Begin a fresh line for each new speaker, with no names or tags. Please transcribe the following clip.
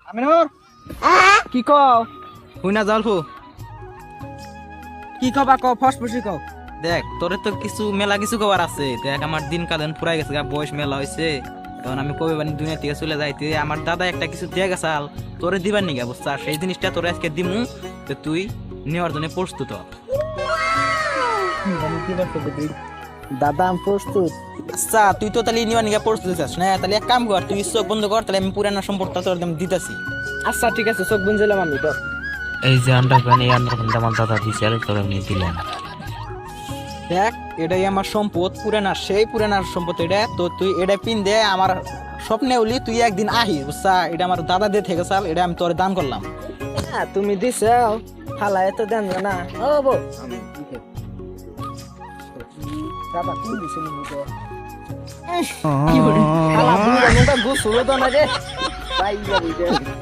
আমিনুর কি কও
হুই না জলফু
কি কবা কও ফসফসি কও
দেখ তোরে তো কিছু মেলা কিছু কবার আছে দেখ আমার দিন কালেন পুরাই গেছে বয়স মেলা হয়েছে এখন আমি কবে বানি দুনিয়া থেকে চলে যাইতে আমার দাদা একটা কিছু দিয়ে গেছাল তোরে দিবার নিগা বুঝছা সেই জিনিসটা তোরে আজকে দিমু তো তুই নেওয়ার জন্য প্রস্তুত হ।
দাদা আমি প্রস্তুত।
আচ্ছা তুই তো তাহলে নেওয়ার নিগা প্রস্তুত আছিস না তাহলে এক কাম কর তুই চোখ বন্ধ কর তাহলে আমি পুরানো সম্পর্কটা তোর দিতেছি।
আচ্ছা ঠিক আছে চোখ বুঝলাম আমি তো।
এই যে আন্ডারপ্যান্ট এই আন্ডারপ্যান্ট আমার দাদা দিয়েছিল তোরা নিয়ে দিলেন।
দেখ এটাই আমার সম্পদ পুরানা সেই পুরানার সম্পদ এটা তো তুই এটা পিন দে আমার স্বপ্নে উলি তুই একদিন আহি বুঝছা এটা আমার দাদা দিয়ে থেকে চাল এটা আমি তোরে দান করলাম।
হ্যাঁ তুমি দিছাও হালায় তো দেন না ও বো দাদা তুমি দিছেন তো কি বলি হালা বুড়া মুটা গোসল তো না রে ভাই যাবি